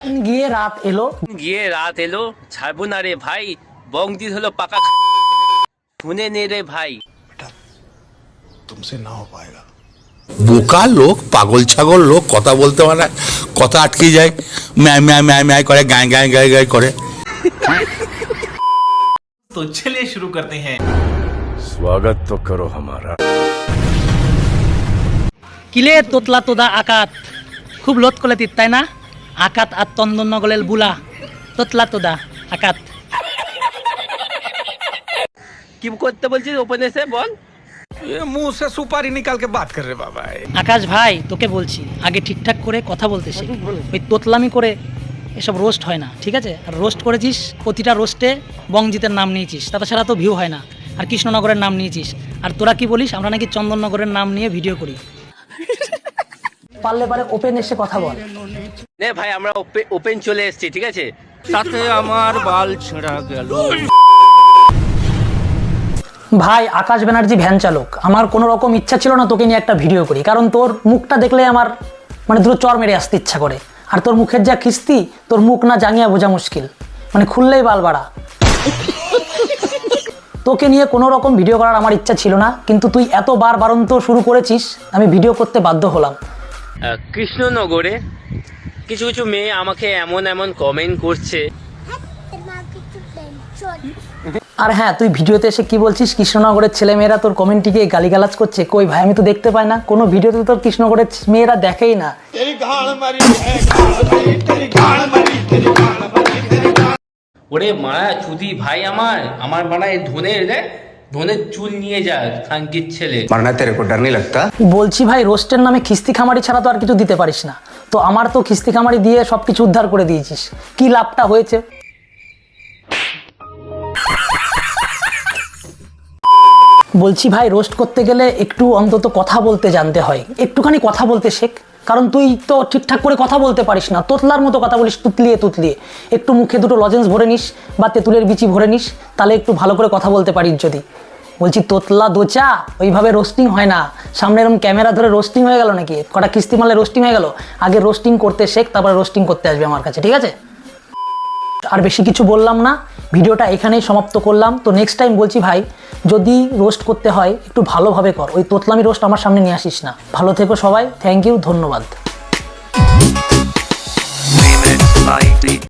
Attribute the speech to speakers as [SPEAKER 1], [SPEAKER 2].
[SPEAKER 1] গিয়ে রাত এলো
[SPEAKER 2] ছাড়বো না রে ভাই, বং দিল হলো পাকা শুনে নে রে ভাই।
[SPEAKER 3] तुमसे ना हो पाएगा।
[SPEAKER 4] বোকা লোক, পাগল ছাগল লোক, কথা বলতে পারে না, কথা আটকে যায়, ম্যায় ম্যায় ম্যায় ম্যায় করে, গায়ে গায়ে গায়ে গায়ে করে।
[SPEAKER 5] तो चलिए शुरू करते हैं।
[SPEAKER 6] स्वागत तो करो हमारा।
[SPEAKER 1] কিলে তোতলা তোদা আকাত খুব লোত কলে তিত তাই না? আকাত আর তন্দন নগলেল বুলা তোতলা তোদা আকাত।
[SPEAKER 2] কি করতে বলছিস ওপেন এসে বল।
[SPEAKER 3] ये मुंह से सुपारी निकाल के बात कर रहे बाबा।
[SPEAKER 1] আকাশ ভাই তোকে বলছি আগে ঠিকঠাক করে কথা বলতে শেখ। ওই তোতলামি করে এসব রোস্ট হয় না, ঠিক আছে? আর রোস্ট করেছিস, প্রতিটা রোস্টে বংজিতের নাম নিয়েছিস, তাতে ছাড়া তো ভিউ হয় না। আর কৃষ্ণনগরের নাম নিয়েছিস। আর তোরা কি বলিস আমরা নাকি চন্দননগরের নাম নিয়ে ভিডিও করি। পারলে পারে ওপেন এসে কথা বল।
[SPEAKER 2] নে ভাই আমরা ওপেন চলে এসেছি, ঠিক আছে?
[SPEAKER 5] তাতে আমার বাল ছেঁড়া গেল।
[SPEAKER 1] ভাই আকাশ ব্যানার্জি ভ্যান চালক, আমার কোনো রকম ইচ্ছা ছিল না তোকে নিয়ে একটা ভিডিও করি, কারণ তোর মুখটা দেখলে আমার মানে দুটো চর মেরে আসতে ইচ্ছা করে। আর তোর মুখের যা খিস্তি, তোর মুখ না জাঙ্গিয়া বোঝা মুশকিল, মানে খুললেই বাল বাড়া। তোকে নিয়ে কোনো রকম ভিডিও করার আমার ইচ্ছা ছিল না, কিন্তু তুই এত বারন্ত শুরু করেছিস, আমি ভিডিও করতে বাধ্য হলাম।
[SPEAKER 2] কৃষ্ণনগরে কিছু কিছু মেয়ে আমাকে এমন এমন কমেন্ট করছে।
[SPEAKER 1] আর হ্যাঁ, তুই ভিডিওতে এসে কি বলছিস কৃষ্ণনগরের ছেলেমেয়েরা তোর কমেন্টটিকে গালিগালাজ করছে? কই ভাই, আমি তো দেখতে পাই না, কোনো ভিডিওতে তোর কৃষ্ণনগরের মেয়েরা দেখেই না।
[SPEAKER 2] ওরে মারা চুদি ভাই, আমার মারা ধনের চুল নিয়ে যা খানকির ছেলে।
[SPEAKER 7] मरना तेरे को डर नहीं लगता?
[SPEAKER 1] বলছি ভাই, রোস্টের নামে খিস্তি খামারি ছাড়া তো আর কিছু দিতে পারিস না। তো আমার তো খিস্তি খামারি দিয়ে সব কিছু উদ্ধার করে দিয়েছিস, কি লাভটা হয়েছে? বলছি ভাই, রোস্ট করতে গেলে একটু অন্তত কথা বলতে জানতে হয়, একটুখানি কথা বলতে শেখ। কারণ তুই তো ঠিকঠাক করে কথা বলতে পারিস না, তোতলার মতো কথা বলিস তুতলিয়ে তুতলিয়ে। একটু মুখে দুটো লজেন্স ভরে নিস বা তেঁতুলের বিচি ভরে নিস, তাহলে একটু ভালো করে কথা বলতে পারিস যদি। বলছি তোতলা দোচা, ওইভাবে রোস্টিং হয় না। সামনে এরকম ক্যামেরা ধরে রোস্টিং হয়ে গেল নাকি? কটা কিস্তি মারলে রোস্টিং হয়ে গেল? আগে রোস্টিং করতে শেখ, তারপরে রোস্টিং করতে আসবে আমার কাছে, ঠিক আছে? আর বেশি কিছু বললাম না, ভিডিওটা এখানেই সমাপ্ত করলাম। তো নেক্সট টাইম বলছি ভাই, যদি রোস্ট করতে হয় একটু ভালোভাবে কর, ওই তোতলামি রোস্ট আমার সামনে নিয়ে আসিস না। ভালো থেকো সবাই, থ্যাংক ইউ, ধন্যবাদ।